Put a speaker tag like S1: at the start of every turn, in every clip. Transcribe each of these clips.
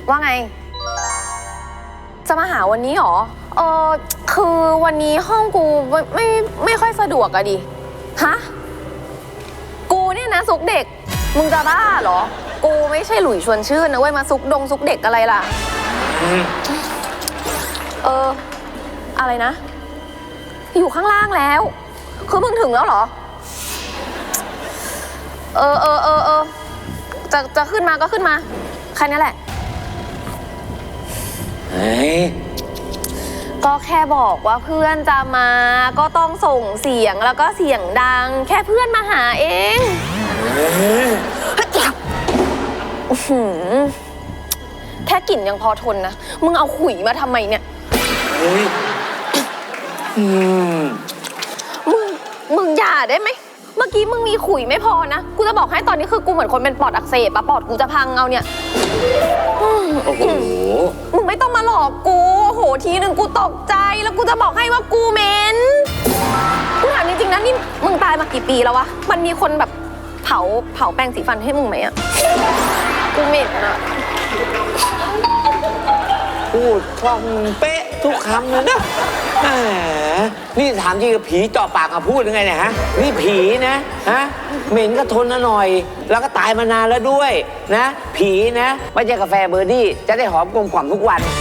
S1: ว่าไงจะมาหาวันนี้หรอคือวันนี้ห้องกูไม่ค่อยสะดวกอะดิฮะกูเนี่ยนะซุกเด็กมึงจะบ้าเหรอกูไม่ใช่หลุยชวนชื่นนะเว้ยมาซุกเด็กอะไรล่ะอะไรนะอยู่ข้างล่างแล้วคือมึงถึงแล้วเหรอจะขึ้นมาก็ขึ้นมาแค่นี้แหละก็แค่บอกว่าเพื่อนจะมาก็ต้องส่งเสียงแล้วก็เสียงดังแค่เพื่อนมาหาเองแค่กลิ่นยังพอทนนะมึงเอาขุยมาทำไมเนี่ยมึงอย่าได้ไหมเมื่อกี้มึงมีขุยไม่พอนะกูจะบอกให้ตอนนี้คือกูเหมือนคนเป็นปอดอักเสบอะปอดกูจะพังเอาเนี่ย
S2: โอ้โห
S1: มึงไม่ต้องมาหลอกกูโหทีหนึ่งกูตกใจแล้วกูจะบอกให้ว่ากูเหม็นกูถามจริงๆนะนี่มึงตายมากี่ปีแล้ววะมันมีคนแบบเผาแปรงสีฟันให้มึงไหมอะกูเหม็นอะ
S2: พูดคล่องเป๊ะทุกคำเลยนะนี่ถามจริงกับผีจ่อปากมาพูดยังไงเนี่ยฮะนี่ผีนะฮะเหม็นก็ทนหน่อยแล้วก็ตายมานานแล้วด้วยนะผีนะไม่ใช่กาแฟเบอร์ดี้จะได้หอมกลมกล่อมทุกวัน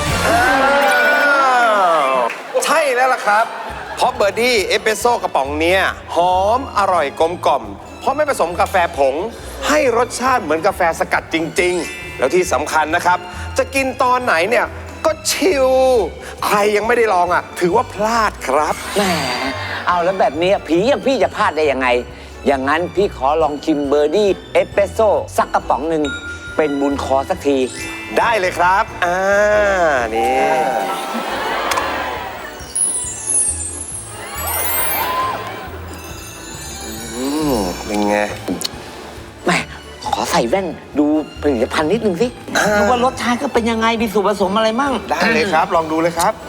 S3: ใช่แล้วล่ะครับเพราะเบอร์ดี้เอสเปรสโซ่กระป๋องเนี้ยหอมอร่อยกลมกล่อมเพราะไม่ผสมกาแฟผงให้รสชาติเหมือนกาแฟสกัดจริงๆแล้วที่สำคัญนะครับจะกินตอนไหนเนี่ยก็ชิลใครยังไม่ได้ลองอ่ะถือว่าพลาดครับ
S2: แหมเอาแล้วแบบนี้ผีอย่างพี่จะพลาดได้ยังไงอย่างนั้นพี่ขอลองชิมเบอร์ดี้เอสเปรสโซ่สักกระป๋องหนึ่งเป็นบุญคอสักที
S3: ได้เลยครับนี่เป็นไง
S2: แม่ขอใส่แว่นดูผลิตภัณฑ์นิดนึงสิดูว่ารสชาติก็เป็นยังไงมีส่วนผสมอะไรมั่ง
S3: ได้เลยครับลองดูเลยครับ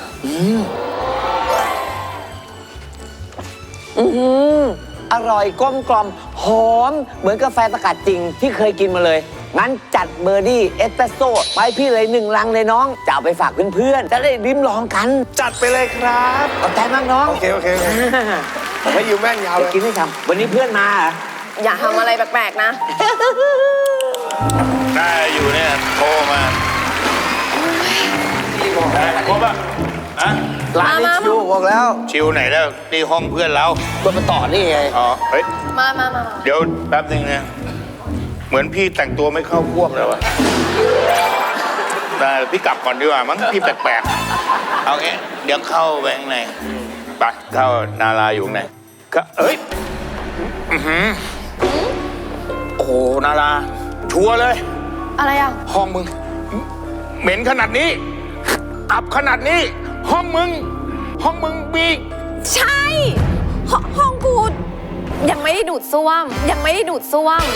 S2: อร่อยกลมกล่อมหอมเหมือนกาแฟสกัดจริงที่เคยกินมาเลยงั้นจัดเบอร์ดี้เอสเปรสโซ่ไปพี่เลย1 ลังเลยน้องจะเอาไปฝากเพื่อนๆจะได้ลิ้มลองกัน
S3: จัดไปเลยครับ
S2: ขอบใจมากน้อง
S3: โอเคให้ยืมแว่นยาวเลย
S2: กินไม่ทำวันนี้เพื่อนมา
S1: อย่าทำอะไรแปลกๆนะ
S4: ได้อยู่เนี่ยโทรมาครบอ่ะ
S3: ร้านนี้ชิวบอกแล้ว
S4: ชิวไหนแล้วนี่ห้องเพื่อนเรา
S2: ก็มาต่อนี่ไง
S4: อ๋อเฮ้ย
S1: มา
S4: เดี๋ยวแป๊บนึงนะเหมือนพี่แต่งตัวไม่เข้าพวกแล้วอะแต่พี่กลับก่อนดีกว่ามั้งพี่แปลกๆเอางี้เดี๋ยวเข้าไปข้างในไปเข้านาราอยู่ไหนก็เอ้ยโอ้โหนาราชัวร์เลย
S1: อะไรอ่ะ
S4: ห้องมึงเหม็นขนาดนี้อับขนาดนี้ห้องมึงมี
S1: ใช่ห้องกูยังไม่ได้ดูดซ่วมไม่ได้ดูดซ่วม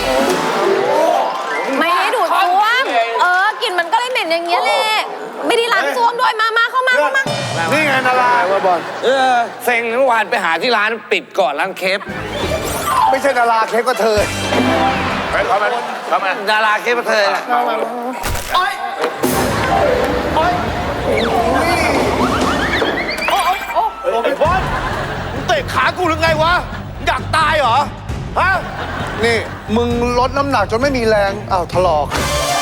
S1: กลิ่นมันก็เลยเหม็นอย่างเงี้ยแหละไม่ได้ล้างซ่วมด้วยมาเข้ามา
S3: นี่ไงนาราว่าบอล
S2: เซ็งเมื่อวานไปหาที่ร้านปิดก่อนร้านเคฟ
S3: ไม่ใช่นาราเคฟก็เธอ
S4: ไปเข้ามา
S2: ดาราเคฟก็เธอ
S4: โอ๊ยไอ้บอลมึงเตะขากูหรือไงวะอยากตายเหรอฮะ
S3: นี่มึงลดน้ำหนักจนไม่มีแรงอ้าวถลอก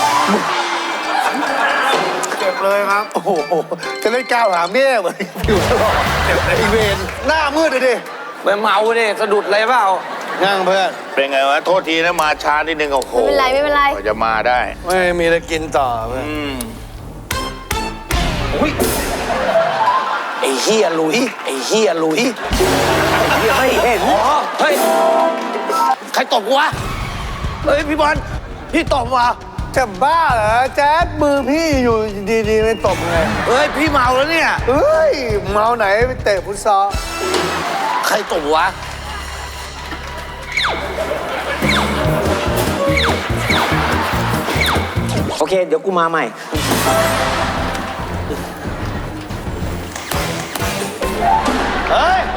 S3: เจ็บเลยครับโอ้โหจะเล่นก้าวหาแม่เหมือนผิวถลอกเจ็บเลยอีเวนหน้ามืดเลยดิ
S2: ไปเมาดิสะดุดอะไรเปล่า
S3: นั่งเพื่อน
S4: เป็นไงวะโทษทีนะมาช้านิดนึงโอ้โห
S1: ไม่เป็นไร
S4: จะมาได้
S3: ไม่มีอะไรกินต่อเพื่อน
S2: ไอ้เฮียลุยไม่เห็นเฮ้ยใครตบกูวะ
S3: เฮ้ยพี่บอลพี่ตบวะจะบ้าเหรอแจ๊ดมือพี่อยู่ดีๆไม่ตบไง
S2: เฮ้ยพี่เมาแล้วเนี่ย
S3: เฮ้ยเมาไหนไปเตะฟุตซอล
S2: ใครตบวะโอเคเดี๋ยวกูมาใหม่
S3: เฮ้ย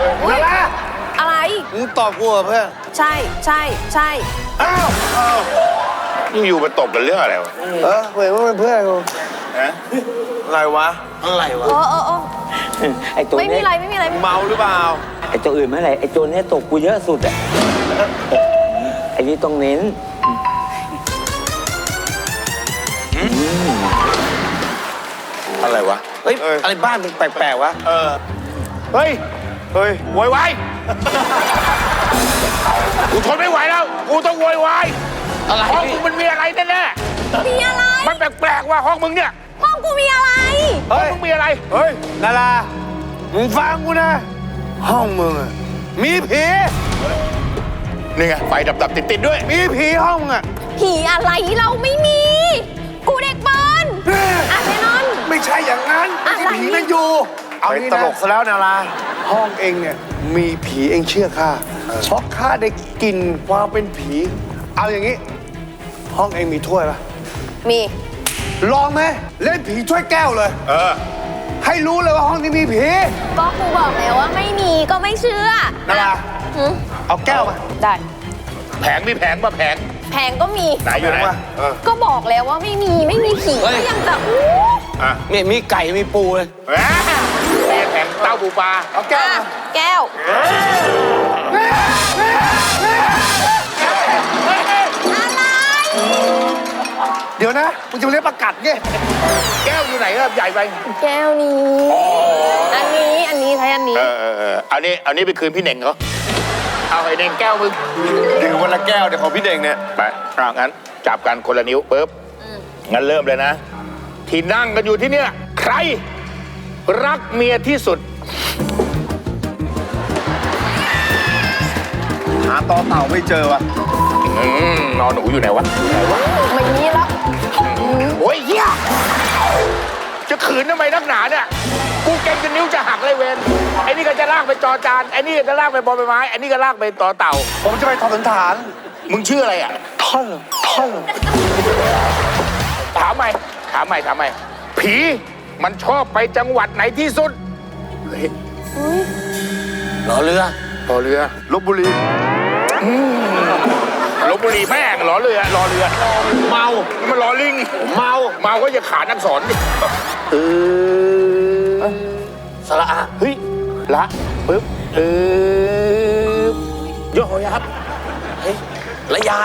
S1: อะไร
S3: มึงตอบกูเหรอเพื่อน
S1: ใช่
S3: อ้าว
S4: อยู่มาตบกันเรื่องอะไรวะ
S3: เว้ยว่าเป็นเพื่อนกู
S4: ฮะ
S3: อะไรวะ อะไรวะ
S1: เออ
S2: ไอ้ตัว
S1: ไม่มี
S2: เนี้ย
S1: อะไรไม่มีอะไร
S3: เมาหรือเปล่า
S2: ไอ้ตัวอื่นไม่อะไรไอ้ตัวเนี้ยตกกูเยอะสุดอะไอ้นี่ต้องเน้น
S3: อะไรวะ เฮ้ย อะไรบ้านมันแปลกๆวะ
S4: เฮ้ย
S3: เฮ้ย
S4: โวยวายกูทนไม่ไหวแล้ว กูต้องโวยวาย
S2: อะไร
S4: ห้องมึงมันมีอะไรแน่
S1: มีอะไร
S4: ๆมันแปลกๆว่าห้องมึงเนี่ย
S1: ห้องกูมีอะไร
S4: ห้องมึงมีอะไร
S3: เฮ้ย นารามึงฟังกูนะ ห้องมึงอะมีผี
S4: นี่ไงไฟดับๆติดๆด้วย
S3: มีผีห้องมึงอะ
S1: ผีอะไรเราไม่มี กูเด็กเปิ้ลอ่ะแน่นอน
S3: ไม่ใช่อย่างนั้น
S1: อะไร
S3: ไม่ใช่ผีนั่นอยู่ เอานี่ตลกซะแล้วนาราห้องเองเนี่ยมีผีเองเชื่อข้าเพราะข้าได้กลิ่นความเป็นผี เอาอย่างนี้ ห้องเองมีถ้วยปะ
S1: มี
S3: ลองไหมเล่นผีถ้วยแก้วเลย ให้รู้เลยว่าห้องนี้มีผี
S1: ก็กูบอกแล้วว่าไม่มีก็ไม่เชื่อ
S3: นารา
S1: หืม
S3: เอาแก้วมา
S1: ได้
S4: แผงมีแผงป่ะแผง
S1: แพงก็มี
S4: ไหนอยู่ไหน
S3: มา
S1: ก็บอกแล้วว่าไม่มีผีก็ยังจะอู้
S4: อ่ะ
S2: เนี่ยมีไก่มีปูเลย
S4: นี่แผงเต้าปูปลา
S3: เอาแก้ว
S1: อ่ะ
S3: มา
S1: แก้ว อะไร
S3: เดี๋ยวนะมึงจะมาเลี้ยงประกัดไง
S4: แก้วอยู่ไหนอะใหญ่ไป
S1: แก้วนี้ อันนี้ใช้อันนี้
S4: เอานี้ไปคืนพี่เหน่งเขาเอาไอ้เน่งแก้วมึง
S3: ดื่มวันละแก้วเดี๋ยวของพี่เด่งเนี่ย
S4: ไปงั้นจับกันคนละนิ้วปุ๊บงั้นเริ่มเลยนะ ที่นั่งกันอยู่ที่เนี่ย ใคร รักเมียที่สุด
S3: หาต่อเต่าไม่เจอวะ
S4: นอนหนูอยู่ไหนวะ
S1: ไม่มีแล้ว
S4: โอ้ยเฮียจะขืนทำไมนักหนาเนี่ยกูเก่งจนนิ้วจะหักเลยเวนไอ้นี่ก็จะลากไปจอจานไอ้นี่ก็จะลากไปบอใบไม้ไอ้นี่ก็ลากไปต่อเต่า
S3: ผมจะไปทอสันฐาน
S4: มึงชื่ออะไรอ่ะ
S3: ท่อน
S4: ถามใหม่ผีมันชอบไปจังหวัดไหนที่สุดเฮ้ย
S2: รอเรือ
S4: รอเรือ
S3: ลบบุรี
S4: ลบบุรีแม่งรอเรือเมามันรอลิงเมาก็อย่าขาดนักสอนดิ
S2: สระอา
S4: เฮ้ยละปึ๊บโยอยับ
S2: เฮ้ยระยา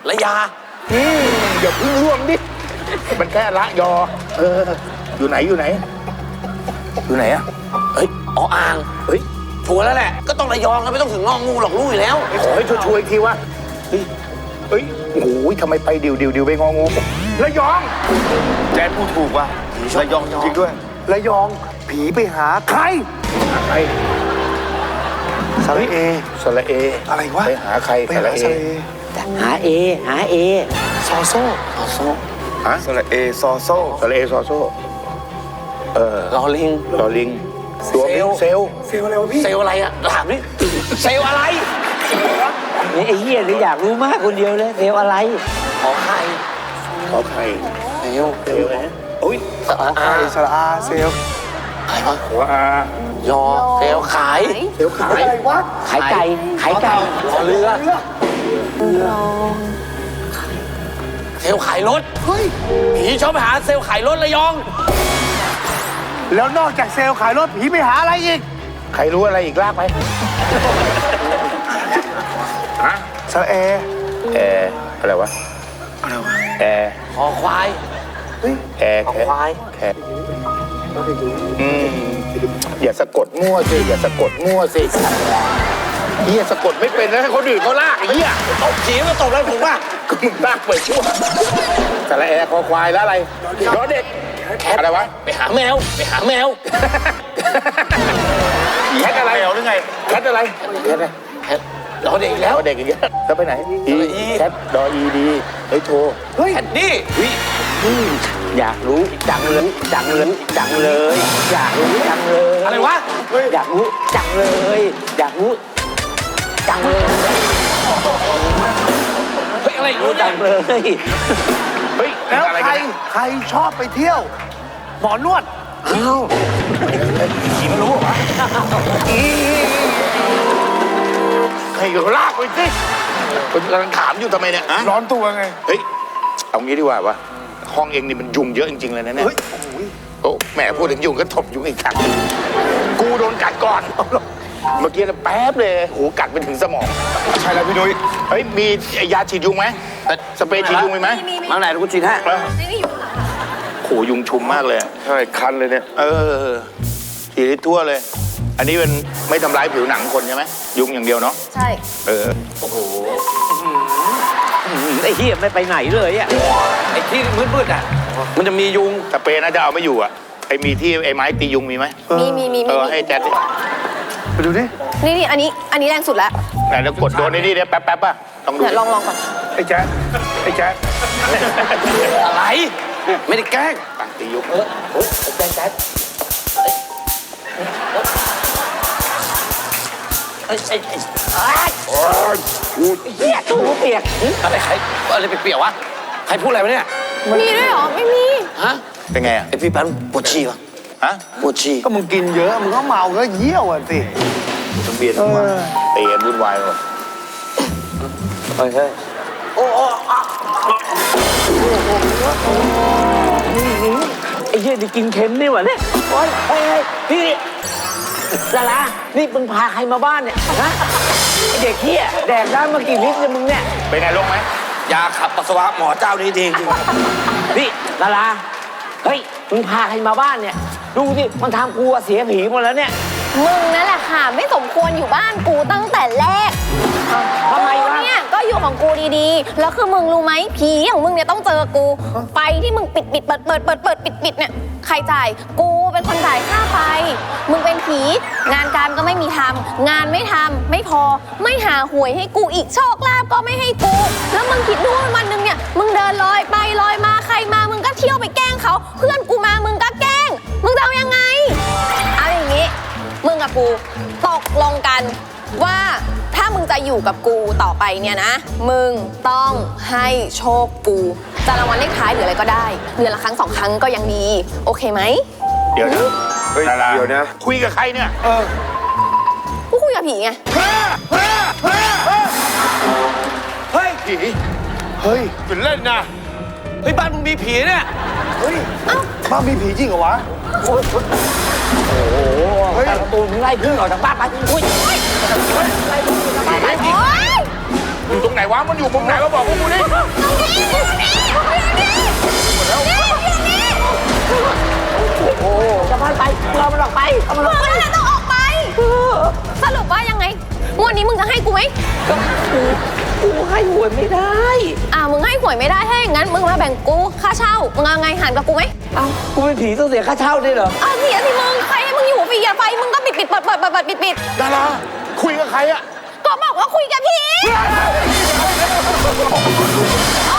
S4: อย่าพึ่งร่วงดิมันแค่ละยออยู่ไหนอยู่ไหนอะ
S2: เฮ้ยอ๋ออ่าง
S4: เฮ้ย
S2: ชัวร์แล้วแหละ ก็ต้องระยองแล้วไม่ต้องถึงงองูหรอกรู้อยู่แล้ว
S4: ขอให้ช่วยๆอีกทีวะเฮ้ยโอ้โหทำไมไปดิวไปงองูระยอง
S3: แจนพูดถูกว่ะระยองจริงๆด้วยระยองผีไปหาใคร
S4: ใคร
S3: สระเอ
S4: สระเอ
S3: อะไรวะ
S4: ไปหาใคร
S3: ไปหาสระเอ
S2: หาเอ
S3: ซอโซ่
S4: ฮะ
S3: สระเอซอโซ่
S4: สระเอซอโซ่
S2: รอลิง
S4: ลอลิงตัวเป็นเซล
S3: เซลอะไรวะพี่
S2: เซลลอะไรอะถามนี่เซลลอะไรนี่ไอ้เหี้ยนี่อยากรู้มากคนเดียวเลยเซลลอะไรขอไข่
S4: ขอใคร
S2: เซลล
S4: เซลนะ
S2: อุ้ยสระอา
S3: สระอาเซล
S2: ใครวะ
S4: ขออาย
S2: อเซลลขาย
S4: เซลขาย
S3: อะไรวะ
S2: ขายไก่รอเรือเซลลขายรถ
S3: เฮ้ย
S2: ผีชอบไปหาเซลลขายรถระยอง
S3: แล้วนอกจากเซลขายรถผีไปหาอะไรอีก
S4: ใครรู้อะไรอีกลากไปฮะ
S3: สระเอ
S4: อะไรวะแอร์
S2: คอควาย
S4: แอร์
S2: คอควาย
S4: แค่อย่าสะกดมั่วสิอย่าสะกดมั่วสิเฮียสะกดไม่เป็นแล้วให้คนอื่นเขาลากไอ้เฮีย
S2: ตบผีมาตบอะไรผมว่า
S4: ก็มึงลากไปชั่วสระแอร์คอควายแล้วอะไรล้อเด็กอะไรวะ
S2: ไปหาแมว
S4: แคทอะไรเหรอหรือไงแคทอะไรแคทอะไร
S2: รอเด็กอีกแล้ว
S4: ล้อเด็กอย่างเงี้ยแล้วไปไหน
S2: สระอี
S4: แคทดออีดีเฮ้ยโทร
S2: แคดดี้อยากรู้จังเลย อยากรู้จังเลย อะไรวะ อยากรู้จังเลย อยากรู้จังเลย เฮ้ยอะไรรู้จังเลย
S4: เฮ้ย
S3: แล้ว
S4: อะไร
S3: ใคร
S4: กันเนี่ย
S3: ใครชอบไปเที่ยว หมอนวด
S2: อ้าว
S4: ผีมันรู้เหรอวะให้ลากไปสิคุณกำลังถามอยู่ทำไมเนี่ยฮะ
S3: ร้อนตัวไง
S4: เฮ้ยเอางี้ดีกว่าวะห้องเองนี่มันยุงเยอะจริงๆเลยนะเนี่ย
S3: เฮ้ย
S4: โอ้แหมพูดถึงยุงก็ถบยุงอีกครั้งกูโดนกัดก่อน เมื่อกี้นะแป๊บเลยหูกัดไปถึงสมอง
S3: ใช่แล้วพี่นุ้ย
S4: เฮ้ยมียาฉีดยุงไหมสเปรย์ฉีดยุงมีไหม
S2: มาไหนกูฉีดให้
S1: นี่อยู่หลัง
S4: โหยุงชุมมากเลย
S3: ใช่คันเลยเนี่ย
S4: ฉีดให้ทั่วเลย อันนี้เป็นไม่ทำร้ายผิวหนังคนใช่ไหมยุงอย่างเดียวเนาะ
S1: ใช่
S2: ไอ้เหี้ยไม่ไปไหนเลยอ่ะไอ้ที่มืดๆอ่ะมันจะมียุง
S4: สเปรย์น่าจะเอาไม่อยู่อ่ะไอ้มีที่ไอ้ไม้ตียุงมีไหม
S1: มี
S4: ให้แจ๊ดดิ
S3: ไปดูดิ
S1: นี่อันนี้แรงสุดแล้ว
S4: ไหนแล้วกดโดนนี่เนี่ยแป๊บๆป่ะต้องดู
S1: เดี๋ยวลองก่อน
S3: ไอ้แจ๊ดไอ้แจ๊ด
S2: อะไร ไม่ได้แกล้ง
S4: ตียุง
S2: เหี้ยตู้เปียกอะไรใครอะไรเปียกๆวะใครพูดอะไรวะเนี่ย
S1: มีด้วยเหรอ ไม่มี
S2: ฮะ
S4: เป็นไงอ่ะ
S2: ไอพี่ปันปวดฉี่วะ
S4: ฮะ
S2: ปวดฉี่
S5: ก็มึงกินเยอะ มึงก็เมาก็เยี่ยวอ่ะสิ
S4: ทะเบียนมาตีกันวุ่นวายหมด
S2: เฮ้ยเฮ้ยโอ้ไอ้เหี้ยนี่กินเค็มนี่หวะเนี่ยโอ้ยเฮ้ยพี่ดารานี่มึงพาใครมาบ้านเนี่ยฮะไอ้เด็กเหี้ยแดกได้มากี่ลิตรเนี่ยมึงเนี่ย
S4: เป็นไงลงไหม
S2: ยาขับปัสสาวะหมอเจ้านี้จริงพี่ดาราเฮ้ยมึงพาใครมาบ้านเนี่ยดูสิมันทำกูเสียผีหมดแล้วเนี่ย
S1: มึงนั่นแหละค่ะ ไม่สมควรอยู่บ้านกูตั้งแต่แรก
S2: ทำไมวะ
S1: กูเนี่ยก็อยู่ของกูดีๆ แล้วคือมึงรู้ไหมผีอย่างมึงเนี่ยต้องเจอกู ไฟที่มึงปิดเปิดปิดเนี่ยใครจ่ายกูเป็นคนจ่ายค่าไฟ มึงเป็นผีงานการก็ไม่มีทำงานไม่ทำไม่พอไม่หาหวยให้กูอีกโชคลาภก็ไม่ให้กู แล้วมึงคิดดูว่าวันหนึ่งเนี่ยมึงเดินลอยไปลอยมาใครมามึงก็เที่ยวไปแกล้งเขาเพื่อนกูมามึงก็แกล้ง มึงจะเอายังไงเอาอย่างงี้ มึงกับกูตกลงกันว่าถ้ามึงจะอยู่กับกูต่อไปเนี่ยนะ มึงต้องให้โชคกูจะรางวัลเลขท้ายหรืออะไรก็ได้เดือนละครั้ง2 ครั้งก็ยังดี โอเคไหม
S4: เดี๋ยวนะ
S3: เฮ้ย
S4: ดารา
S3: เดี๋ยวนะ
S4: คุยกับใครเนี่ย
S1: กูคุยกับผีไง
S2: เฮ้ย
S4: ผี
S3: เฮ้ย
S4: เป็นเล่นนะ
S2: เฮ้ยบ้านมึงมีผีเนี่ย
S5: เฮ้ยบ้านมีผีจริงเหรอวะ
S2: เฮ้ยประตูมึงไล่พึ่งออกจากบ้านไปอุ้ย
S1: โอ๊ย
S4: อยู่ตรงไหนวะมันอยู่มุมไหนมาบอกพวกกูดิ
S2: จะบ้านไปเรามันออกไปเอามันอ
S1: มึ
S2: อก
S1: ง
S2: ไป
S1: นั่นแหละต้องออกไป สรุปว่ายังไงงวดนี้มึงจะให้กูไหม
S2: กูให้หวยไม่ได้
S1: มึงให้หวยไม่ได้ถ้าอย่างนั้นมึงมาแบ่งกูค่าเช่า มึงเอาไงหันกับกูไหม
S2: เอ้ากูเป็นผีต้องเสียค่าเช่าด้วยเหรอ
S1: เสียสิมึง ใครให้มึงอยู่ฟรีอะไฟมึงก็ปิดเปิด
S4: ดาราคุยกับใครอะ
S1: ก็บอกว่าคุยกับผีโอ๊